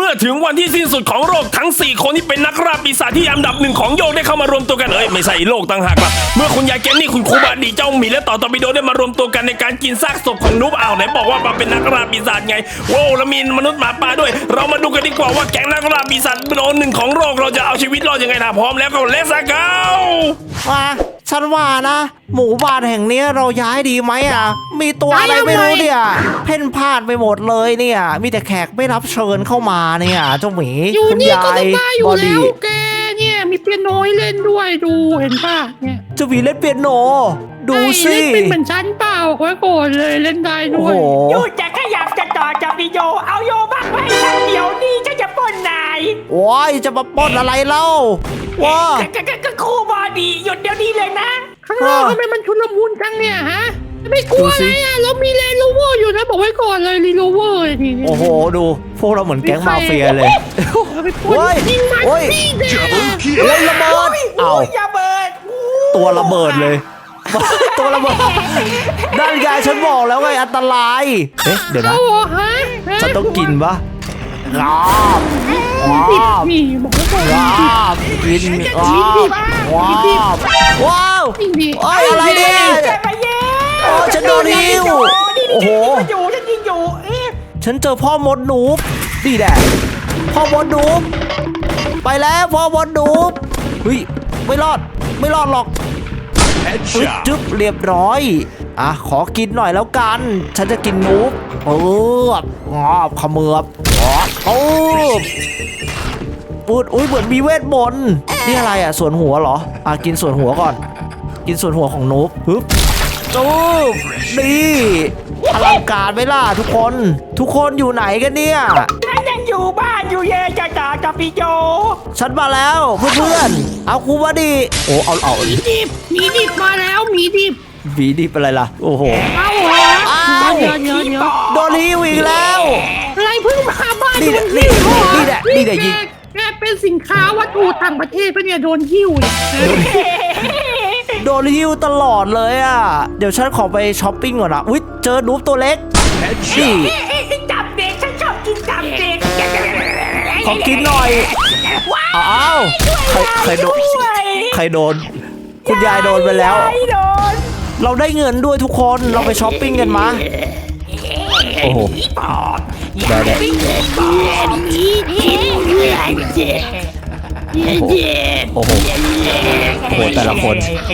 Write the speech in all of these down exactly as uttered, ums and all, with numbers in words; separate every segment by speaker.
Speaker 1: มื่อถึงวันที่สิ้นสุดของโลกทั้งสี่คนที่เป็นนักล่าปีศาจที่อันดับหนึ่งของโลกได้เข้ามารวมตัวกันเอ้ยไม่ใช่โลกต่างหากล่ะเมื่อคุณยายแกนนี่คุณครูบาดีเจ้าหมีและต่อตอร์ปิโดได้มารวมตัวกันในการกินซากศพของนูบอ้าวไหนบอกว่ามาเป็นนักล่าปีศาจไงโว้แล้วมีมนุษย์หมาป่าด้วยเรามาดูกันดีกว่าว่าแก๊งนักล่าปีศาจโดนหนึ่งของโลกเราจะเอาชีวิตรอดยังไงถ้าพร้อมแล้วก็เลสเก้า
Speaker 2: มาฉันว่านะ หมู่บ้านแห่งนี้เราย้ายดีไหมอ่ะมีตัวอะไรไม่รู้เนี่ยเพ่นพ่านไปหมดเลยเนี่ยมีแต่แขกไม่รับเชิญเข้ามาเนี่ยเจ้าหมี
Speaker 3: คุณยาย
Speaker 2: บอดี้
Speaker 3: แกเนี่ยมีเปียโนให้เล่นด้วยดูเห็นป่ะเนี่ย
Speaker 2: เจ้าหมีเล่นเปียโนดูสิ
Speaker 3: เล่นเป็นเหมือนฉันเปล่าไว้ก่อนเลยเล่นได้ด้วย
Speaker 4: หยุดจะขยับจะต่อจะมีโยเอาโยบ้างไว้ฉันเดี๋ยวนี้ฉันจะปล้นนาย
Speaker 2: ว้ายจะมาปล้นอะไรเล่าว้า
Speaker 4: ก็ครูบอดีหยุดเดี๋ยวนี้เลยนะ
Speaker 3: ข้างนอกทำไมมันชุลมุนจังเนี่ยฮะไม่กลัวอะไรอ่ะเรามีแลนด์โรเวอร์อยู่นะบอกไว้ก่อนเลยรีโรเวอร์นี่
Speaker 2: โอ้โหดูพวกเราเหมือนแก๊งมาเฟียเลย
Speaker 3: โอ้ยโอ้ย
Speaker 2: เล่นระเบิดเอาตัวระเบิดเลยตัวระเบิดด้านยายฉันบอกแล้วไงอันตรายเอ๊ะเดี๋ยวนะฉันต้องกินปะงาบงาบงาบกินงาบว้าวว้าวโอ้ยอะไรเนี่ยโอ้ฉันโดนหิวโอ้โห
Speaker 4: ฉันยิงอยู่
Speaker 2: ฉันเจอพ่อมดหนูดีแดดพ่อมดหนูไปแล้วพ่อมดหนูเฮ้ยไม่รอดไม่รอดหรอกจึ๊บเรียบร้อยอ่ะขอกินหน่อยแล้วกันฉันจะกินนูบเอองอบขมือบโอ้ปูดอุ้ยเหมือนมีเวทมนต์นี่อะไรอ่ะส่วนหัวเหรออ่ะกินส่วนหัวก่อนกินส่วนหัวของนูบปึ๊บจูบนี่อลังการไหมล่ะทุกคนทุกคนอยู่ไหนกันเนี่ย
Speaker 4: ฉันยังอยู่บ้านอยู่เย่จะจ่าจะพี่โจ
Speaker 2: ฉันมาแล้วเพื่อนๆเอาครูบาดีโอ้เอาเอา
Speaker 3: มีดิบมีดิบมาแล้วมีดิบ
Speaker 2: มีดิบอะไรล่ะโอ้โห
Speaker 3: เอาเหรอเดี๋ยวเดี๋ยวเดี๋ยว
Speaker 2: โดนหิวอีกแล้ว
Speaker 3: อะไรเพิ่งมาบ้าน
Speaker 2: นี่แหละนี่แหละนี่แหละยิง
Speaker 3: แกเป็นสินค้าวัตถุต่างประเทศปะเนี่ยโดนหิ้ว
Speaker 2: โดนหิ้วตลอดเลยอ่ะเดี๋ยวฉันขอไปช้อปปิ้งก่อนนะอุ๊ยเจอนูบตัวเล็กนี่
Speaker 4: จับเด็กฉันชอบกินจับเด็ก
Speaker 2: ขอกินหน่อยอ้าวใครโดนใครโดนคุณยายโดนไปแล้วเราได้เงินด้วยทุกคนเราไปช้อปปิ้งกันมาโอ้โหได้ได้โอ้โหโอ้โหแต่ละคน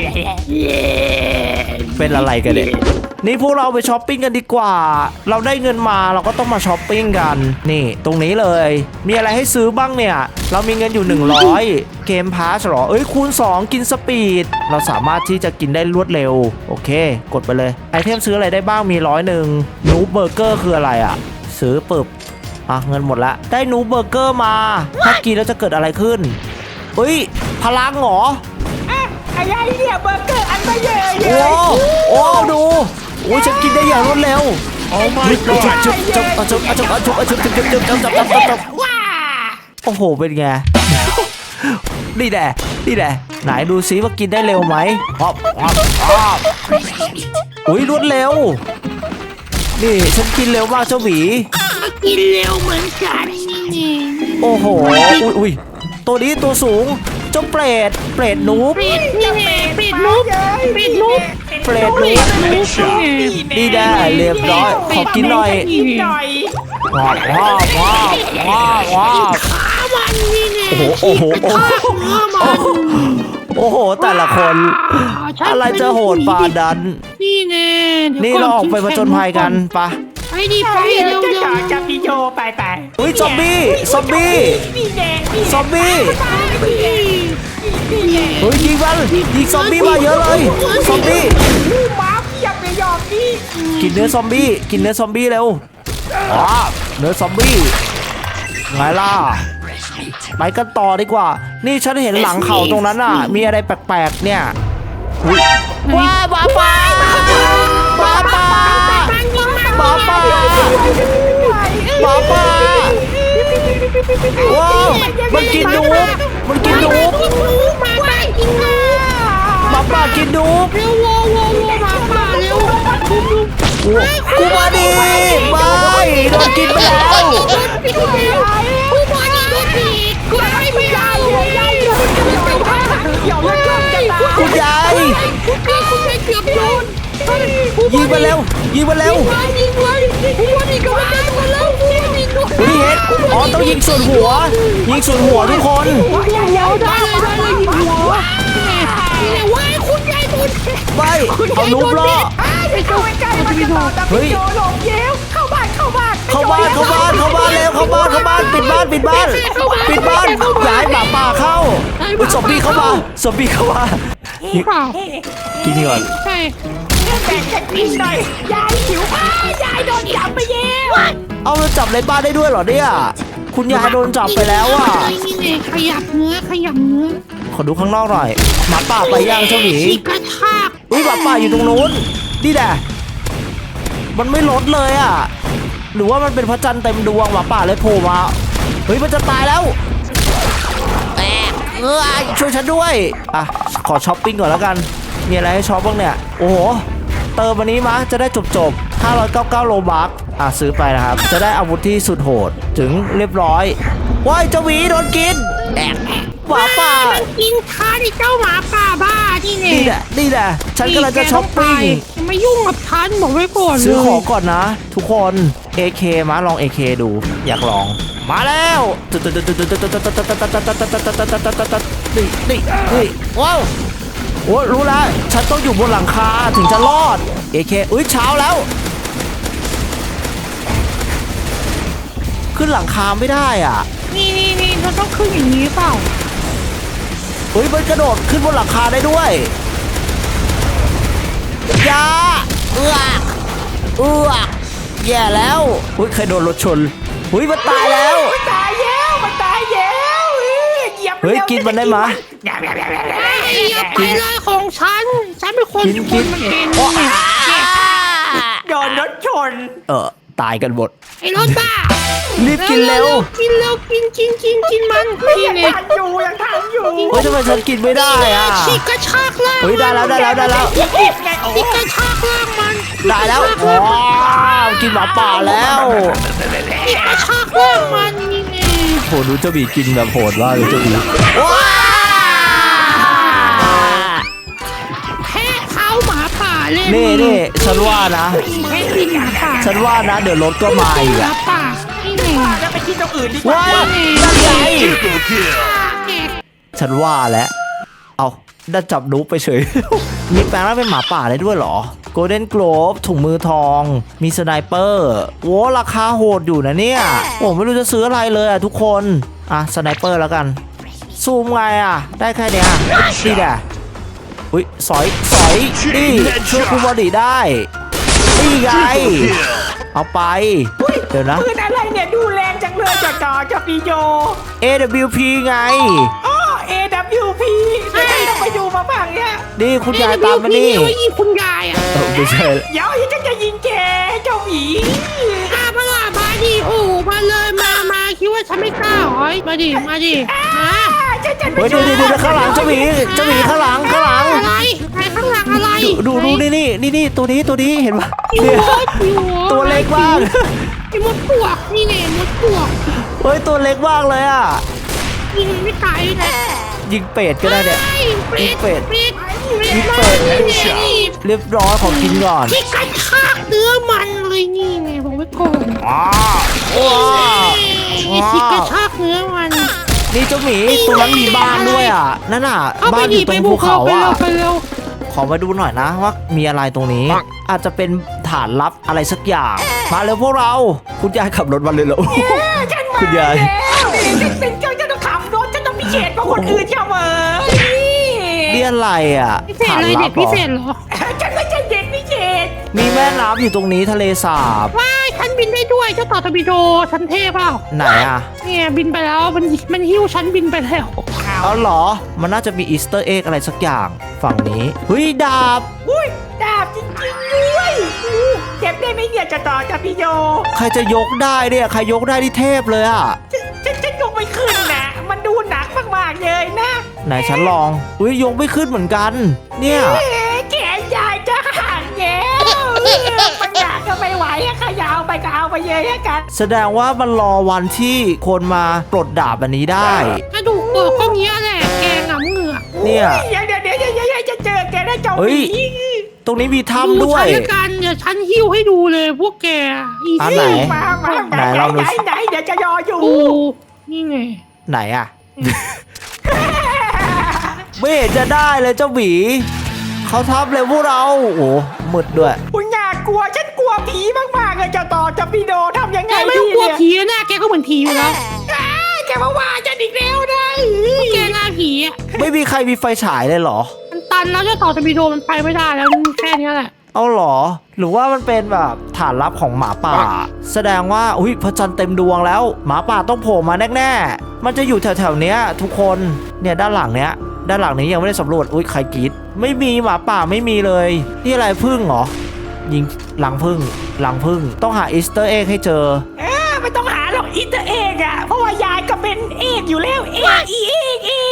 Speaker 2: เป็นอะไรกันเนี่ยนี่พวกเราไปช้อปปิ้งกันดีกว่าเราได้เงินมาเราก็ต้องมาช้อปปิ้งกันนี่ตรงนี้เลยมีอะไรให้ซื้อบ้างเนี่ยเรามีเงินอยู่หนึ่งร้อยเกมพาสหรอเอ้ยคูณสองกินสปีดเราสามารถที่จะกินได้รวดเร็วโอเคกดไปเลยไอเทมซื้ออะไรได้บ้างมีร้อยหนึ่งนูเบอร์เกอร์คืออะไรอ่ะซื้อปึ๊บอ่ะเงินหมดละได้นูเบอร์เกอร์มาถ้ากินแล้วจะเกิดอะไรขึ้นเฮ้ยพลังเหรอ
Speaker 4: อะไรเนี่ยเบอร์เกอร์อันไม่เยอะ
Speaker 2: โอ้โอ้ดูโอ้ยฉันกินได้อย่างรวดเร็วโอ้ไม่ก็จุ๊บจุ๊บจุ๊บจุ๊บจุ๊บจุ๊บจุ๊บจุ๊บจุ๊บจุ๊บจุ๊บจุ๊บจุ๊บจุ๊บจุ๊บโอ้โหเป็นไงนี่แหละนี่แหละไหนดูซิว่ากินได้เร็วไหมอ๊อบอ๊อบอ๊อบอุ้ยรวดเร็วนี่ฉันกินเร็วมากเจ้าหมี
Speaker 3: กินเร็วเหมือนกันนี่
Speaker 2: โอ้โหอุ้ยอุ้ยตัวนี้ตัวสูงเจ้าเปรตเปรตนูบ
Speaker 3: เปรตนี่ไงเปรตนูบเปรตนูบ
Speaker 2: เปรตนูบนี่ได้เรียบร้อยขอกินหน่อยว้าวว้าวว้าวว้าวว้าว
Speaker 3: ขามันนี่ไง
Speaker 2: โอ้โหโอ้โหโอ้โหแต่ละคนอะไรจะโหดปาดัน
Speaker 3: นี่ไง
Speaker 2: นี่เราออกไปผจญภัยกันปะ
Speaker 3: ไปดิไปเร็ว
Speaker 4: เร็วจะพี่โจไปไป
Speaker 2: อุ้ยซอมบี้ซอมบี้ซอมบี้เฮ้ยยิงมันยิงซอมบี้มาเยอะเลยซอมบี้
Speaker 4: ม้าเพียบเลยยอมนี่
Speaker 2: กินเนื้อซอมบี้กินเนื้อซอมบี้เร็วอ๋อเนื้อซอมบี้ไงล่ะไปกันต่อดีกว่านี่ฉันเห็นหลังเขาตรงนั้นอ่ะมีอะไรแปลกๆเนี่ยว้าบ้าป้าบ้าป้าบ้าป้าบ้าป้าว้าวมันกินนูบมันกินนูบบ้าป้ากินนูบ
Speaker 3: เร็ววอวอวอบ้าป้าเร็ว
Speaker 2: กูมาดีไม่โดนกินไปแล้วยิงมาเร็วยิงมาเร็ว
Speaker 3: ยิงไว้ยิงไว้ยิงไว้ยิงมาแล้วยิงยิง
Speaker 2: เฮ้ยเฮ็ดอ๋อต้องยิงส่วนหัว ยิงส่วนหัวทุกคน
Speaker 3: หัวใหญ่เอาได้เลยได้เลยยิงหัวนี่ไงว้ายคุณยายโดน
Speaker 2: ไปเอานุ๊บล่อ
Speaker 3: ไปเข้าใกล้มันจะต่อตะ
Speaker 2: เฮ้ย
Speaker 3: โยหลงเย้วเข้าบ้านเข้าบ้าน
Speaker 2: เข้าบ้านเข้าบ้านเข้าบ้านเร็วเข้าบ้านเข้าบ้านปิดบ้านปิดบ้านปิดบ้านย้ายหมาป่าเข้าอุ๊ยซอมบี้เข้ามาซอมบี้เข้ามา
Speaker 3: เปล่า
Speaker 2: กินก่อน
Speaker 3: ใช่
Speaker 4: แบ่งกันกินหน่อยยายหิวมากยายโดนจับไปเย้ว
Speaker 2: เอามันจับในบ้านได้ด้วยเหรอเนี่ยคุณยายโดนจับไปแล้วอ่ะ
Speaker 3: นี่ไงขยับเนื้อขยับเนื้อ
Speaker 2: ขอดูข้างนอกหน่อยหมาป่าไปย่างเจ้าหมี
Speaker 3: ฉีกกระชาก
Speaker 2: อุ้ยหมาป่าอยู่ตรงนู้นนี่แหละมันไม่ลดเลยอ่ะหรือว่ามันเป็นพระจันทร์เต็มดวงหมาป่าเลยโผล่มาเฮ้ยมันจะตายแล้วแอะเออช่วยฉันด้วยอ่ะขอช้อปปิ้งก่อนแล้วกันมีอะไรให้ช้อปบ้างเนี่ยโอ้โหเติมวันนี้มะจะได้จบจบห้าร้อยเก้าสิบเก้าโลบัคอ่ะซื้อไปนะครับจะได้อาวุธที่สุดโหดถึงเรียบร้อยว้ายเจ้าหมีโดนกินแอะหมาป่า
Speaker 3: มันกินทานไอ้เจ้าหมาป่าบ้านี่ไง
Speaker 2: นี่แหละนี่แหละฉันกำลังจะช้อปปิ้ง
Speaker 3: อย่ามายุ่งกับฉันบอกไว้ก่อน
Speaker 2: ซื้อของ
Speaker 3: เลย
Speaker 2: ก่อนนะ ทุกคน เอ เค มาลอง เอ เค ดู อยากลอง มาแล้วนี่นี่นี่ว้าวโอ้รู้แล้วฉันต้องอยู่บนหลังคาถึงจะรอด เอ เค อุ้ยเช้าแล้ว ขึ้นหลังคาไม่ได้อ่ะ
Speaker 3: นี่นี่นี่เราต้องขึ้นอย่างนี้เปล่า
Speaker 2: เฮ้ยมันกระโดดขึ้นบนหลังคาได้ด้วยอยาเอือกเอือกแย่แล้วอุ้ยใครโดนรถชนอุ้ยมันตายแล้ว
Speaker 4: มันตายเย้วมันตายเย้วเอ้ยเหยียบ
Speaker 2: เฮ้ยกินมันได้มะ
Speaker 3: ไอ้อย่าไปเลยของฉัน ฉันเป็นคน
Speaker 2: กิน
Speaker 3: ค
Speaker 2: กิ
Speaker 3: น
Speaker 2: น
Speaker 3: มันกิน
Speaker 2: โอ้
Speaker 3: เนี่ย
Speaker 4: โดนรถชน
Speaker 2: เออตายกันหมด
Speaker 3: ไอ้รถบ้า
Speaker 2: รีบกินเร็ว
Speaker 3: กินเร็วกินกินกินกินมัน
Speaker 4: ยั
Speaker 3: นี่
Speaker 4: ง
Speaker 3: ไง
Speaker 4: ทันอยู่ยังทันอยู่
Speaker 2: เฮ้ยทำไมฉันกินไม่ได้อ่ะ
Speaker 3: ฉีกกระชากล่าง
Speaker 2: เฮ้ยได้แล้วได้แล้วได้แล้ว
Speaker 4: ไงโอ้
Speaker 3: ฉีกกระชากล่างมัน
Speaker 2: ได้แล้วว้าวกินหมาป่าแล้ว
Speaker 3: ฉีกกระชากล่างมันนี่ไง
Speaker 2: โหดูเจ้าบีกินแบบโหดมากเลยเจ้าบีว้า
Speaker 3: แพ้เขาหมาป่าเล่น
Speaker 2: นี่นี่ฉันว่านะ
Speaker 3: แพ้กินหมาป่า
Speaker 2: ฉันว่านะเดี๋ยวรถก็มาอีก
Speaker 3: หมา
Speaker 2: อ่ะ
Speaker 3: ป่านี่ไง
Speaker 4: จะไปกินตรงอื่นดีกว่า
Speaker 2: ว้าวนั่นไง
Speaker 3: แก
Speaker 2: ฉันว่าแล้วเอาได้จับนุ๊กไปเฉย มีแปลงร่างเป็นหมาป่าได้ด้วยเหรอ โกลเด้นโกลบถุงมือทอง มีสไนเปอร์โว้ราคาโหดอยู่นะเนี่ยโอ้ไม่รู้จะซื้ออะไรเลยอ่ะทุกคน อ่ะสไนเปอร์แล้วกัน ซูมไงอ่ะ ได้แค่เนี้ยนี่แหละอุ้ยสอยสอยนี่ช่วยคูบอดี้ได้ นี่ไง เอาไป เดี๋ยวนะ
Speaker 4: ปืนอะไรเนี่ยดูแรงจังเลยจอจอจอปีโย
Speaker 2: เอ ดับเบิลยู พี ไง
Speaker 4: อ๋อ เอ ดับเบิลยู พี เดี๋ยวต้องไปดูมาบ้างเนี่ย
Speaker 2: นี่คุณยายตามมานี่
Speaker 3: เอาไว้ยิงคุณยายอ่ะ
Speaker 2: เออไม่ใช่
Speaker 4: เดี๋ยวฉันจะยิงแกเจ้าหมี
Speaker 3: มามาละมาดิโอ้มาเลยมามาคิดว่าฉันไม่กล้าเหรอมาดิมาดิมา
Speaker 4: ฉันจะไป
Speaker 2: เฮ้ยดูดูดูข้างหลังเจ้าหมีเจ้าหมีข้างหลังข้างหลัง
Speaker 3: อะไรใครข้างหลังอะไร
Speaker 2: ดูดูดูนี่นี่นี่นี่ตัวนี้ตัวนี้เห็นปะ
Speaker 3: อยู่
Speaker 2: เนี่ย
Speaker 3: หัวอยู่หั
Speaker 2: ตัวเล็กมาก
Speaker 3: ไอ้มดปวกนี่ไงมดปวก
Speaker 2: เฮ้ยตัวเล็กมากเลยอ่ะ
Speaker 3: ยิงมันไม่ตายเลยนะ
Speaker 2: ยิงเป็ดก็ได้เนี่ย
Speaker 3: เป็ดเป็ดเป็ด
Speaker 2: ยิงเป็ด
Speaker 3: นี่ไงนี่
Speaker 2: เรียบร้อยขอกินก่อน
Speaker 3: ที่กระชากเนื้อมันเลยนี่ไงบอกไว้ก่อน
Speaker 2: อ้าวว้าว
Speaker 3: ไอ้ที่กระชากเนื้อมัน
Speaker 2: นี่เจ้าหมีตรงนั้นมีบ้านด้วยอ่ะนั่นอ่ะ
Speaker 3: เข้าไป
Speaker 2: บ้านอ
Speaker 3: ดิ
Speaker 2: ยู่ต
Speaker 3: ไป
Speaker 2: รง
Speaker 3: บุ
Speaker 2: ภู
Speaker 3: กเขา
Speaker 2: เขา
Speaker 3: ไป
Speaker 2: อ่ะ
Speaker 3: เร็วไปเร็ว
Speaker 2: ขอมาดูหน่อยนะว่ามีอะไรตรงนี้ อาจจะเป็นฐานลับอะไรสักอย่าง มาเร็วพวกเรา คุณยายขับรถมาเลยเหรอ
Speaker 4: ฉันมา
Speaker 2: คุณยาย
Speaker 4: แล้วฉันเป็นเจ้าจะต้องขับรถฉันต้องพิเศษกว่าคนอื่นเสมอนี่
Speaker 2: นี่อะไรอ่ะ
Speaker 3: พิเศษ
Speaker 2: ฐาน
Speaker 3: อะไร
Speaker 2: ลั
Speaker 3: เด็
Speaker 2: บ
Speaker 3: ก
Speaker 2: เหร
Speaker 3: พิ
Speaker 2: อ
Speaker 3: เศษเหรอ
Speaker 4: ฉันไม่ใช่เด็กพิเศษ
Speaker 2: มีแม่น้ำอยู่ตรงนี้ทะเลสาบ
Speaker 3: ว้ายฉันบินได้ด้วยเจ้าต่อตบิโดฉันเท่เปล่า
Speaker 2: ไหนอ่ะ
Speaker 3: เนี่ยบินไปแล้วมันมันหิ้วฉันบินไปแล้ว
Speaker 2: เอาเหรอ มันน่าจะมีอีสเตอร์เอ็กอะไรสักอย่างฝั่งนี้เฮ้ยดาบ
Speaker 4: อุ้ยดาบจริงๆด้วยอู้เก็บได้ไหมเนี่ยจะต่อจะพี่โย
Speaker 2: ใครจะยกได้เนี่ยใครยกได้ที่เทพเลยอ่ะ
Speaker 4: ฉันฉันฉันยกไม่ขึ้นนะมันดูหนักมากๆเลยนะ
Speaker 2: ไหนฉันลองอุ้ยยกไม่ขึ้นเหมือนกัน เนี่ย
Speaker 4: เอ๊ะแขนยายจะหักแล้วมันหนักก็ไม่ไหวอะขยาวไปก็เอาไปเยอะกัน
Speaker 2: แสดงว่ามันรอวันที่คนมาปลดดาบอันนี้ได้
Speaker 3: กระดูกเปิดก็เงี้ยแหละแกงหงำเหงือก
Speaker 2: เนี่ย
Speaker 4: เดี๋ยวเดี๋ยวเดี๋ยวเดี๋ยวเดี๋ยวจะเจอแกได้เจ้าห
Speaker 2: เฮ้
Speaker 4: มี
Speaker 2: ยตรงนี้มี
Speaker 3: ดู
Speaker 2: ถ้ำด้วย
Speaker 3: ฉันละกันเดี๋ยวฉันหิ้วให้ดูเลยพวกแกอี
Speaker 2: อัน
Speaker 3: ซี่
Speaker 2: ไหน
Speaker 4: มามา
Speaker 2: ไหนลองดู
Speaker 4: ไหนไหนเดี๋ยวจะรออยู่
Speaker 3: ดูนี่ไง
Speaker 2: ไหนอะไม่เห็นจะได้เลยเจ้าหมีเขาทับเลยพวกเราโอ้โหมืดด้วย
Speaker 4: คุณอยากกลัวฉันกลัวผีมากๆเลยเจ้าต่อจะพี่โดทำยังไง
Speaker 3: แกไม่ต้องกลัว
Speaker 4: เนี่ย
Speaker 3: ผีนะแกก็เหมือนผีอยู่แล้ว
Speaker 4: อ้าแกมาว่าฉันอีกแล้วนะ
Speaker 3: พวกแกหน้าผีอ่ะ
Speaker 2: ไม่มีใครมีไฟฉายเลยเหรอ
Speaker 3: มันตันแล้วเจ้าต่อจะมีโดมันไปไม่ได้แล้วแค่นี้แหละ
Speaker 2: เอาเหรอ หรือว่ามันเป็นแบบฐานลับของหมาป่า แสดงว่าอุ้ยพระจันทร์เต็มดวงแล้ว หมาป่าต้องโผล่มาแน่ๆมันจะอยู่แถวๆเนี้ยทุกคนเนี่ยด้านหลังเนี้ยด้านหลังนี้ยังไม่ได้สำรวจอุ้ยใครกรีดไม่มีหมาป่าไม่มีเลยนี่อะไรพึ่งเหรอยิงหลังพึ่งหลังพึ่งต้องหาอีสเตอร์เอ็กให้เจอ
Speaker 4: เออไม่ต้องหาหรอกอินเตอร์เอกอะเพราะว่ายายก็เป็นเอกอยู่แล้วเอกอีเอกเอก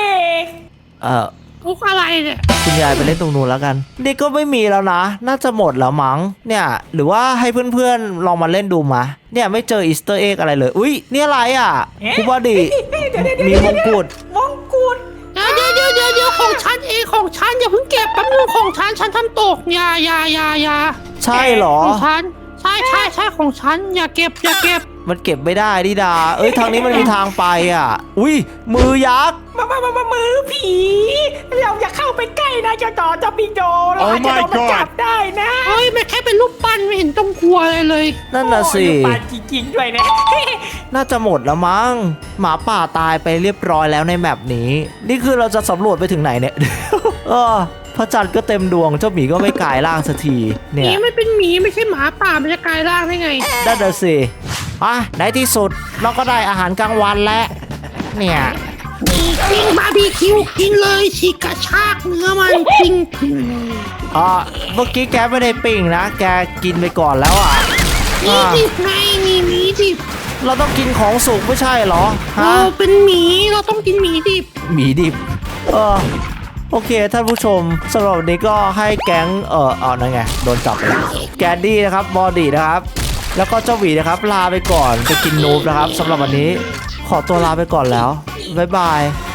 Speaker 2: เออ
Speaker 3: พวกอะไรเนี่ย
Speaker 2: คุณยายไปเล่นตรงนู้นแล้วกันนี่ก็ไม่มีแล้วนะ น่าจะหมดแล้วมั้งเนี่ยหรือว่าให้เพื่อนๆลองมาเล่นดูมาเนี่ยไม่เจออีสเตอร์เอ็กอะไรเลยอุ้ยนี่อะไรอ่ะคุบาดิ
Speaker 4: เดี๋ยวเดี๋ยวเดี๋ยว
Speaker 2: มีมงกุฎ
Speaker 4: มงกุฎ
Speaker 3: เดี๋ยวเดี๋ยวเดี๋ยวเดี๋ยวของฉันเองของฉันอย่าเพิ่งเก็บแป๊บนึงของฉันฉันทำตกอย่าอย่าอย่าอย่า
Speaker 2: ใช่เหรอ
Speaker 3: ของฉันใช่ใช่ใช่ของฉันอย่าเก็บอย่าเก็บ
Speaker 2: มันเก็บไม่ได้ดิดา เอ้ยทางนี้มันมีทางไปอ่ะ อุ้ยมือยักษ์
Speaker 4: มามามามามือผีเราอย่าเข้าไปใกล้นะเจ้าต่อจะพี่โดเราอาจจะโดนมันจับได้นะ
Speaker 3: เฮ้ยมันแค่เป็นรูปปั้นไม่เห็นต้องกลัวอะไรเลย
Speaker 2: นั่นน่ะสิ
Speaker 4: โอ้ยปาจริงๆด้วยนะ
Speaker 2: น่าจะหมดแล้วมั้งหมาป่าตายไปเรียบร้อยแล้วในแมปนี้ นี่คือเราจะสำรวจไปถึงไหนเนี่ย เออพระจันทร์ก็เต็มดวงเจ้าหมีก็ไม่กลายร่างสักที
Speaker 3: ห
Speaker 2: เนี่
Speaker 3: มี
Speaker 2: ย
Speaker 3: ไม่เป็นหมีไม่ใช่หมาป่ามันจะกลายร่างได้ไง
Speaker 2: นั่นน่ะสิอ่ะในที่สุดเราก็ได้อาหารกลางวันแล้วเนี่ย
Speaker 3: ปิ้งบาร์บีคิวกินเลยฉีกกระชากเนื้อมันปิ้งปิ้งเลย
Speaker 2: อ่าเมื่อกี้แกไม่ได้ปิ้งนะ แกกินไปก่อนแล้วอ่ะ
Speaker 3: นี่
Speaker 2: อ่า
Speaker 3: ดิบไงนี่หมีดิบ
Speaker 2: เราต้องกินของสุกไม่ใช่เหรอฮะ
Speaker 3: เราเป็นหมีเราต้องกินหมีดิบ
Speaker 2: หมีดิบ เออ โอเค ท่านผู้ชมสำหรับวันนี้ก็ให้แก๊ง เออเอานั่นไง โดนจับไปแล้วแกนดี้นะครับ บอดี้นะครับ แล้วก็เจ้าหวีนะครับ ลาไปก่อน ไปกินนูบนะครับสำหรับวันนี้ ขอตัวลาไปก่อนแล้ว บ๊ายบาย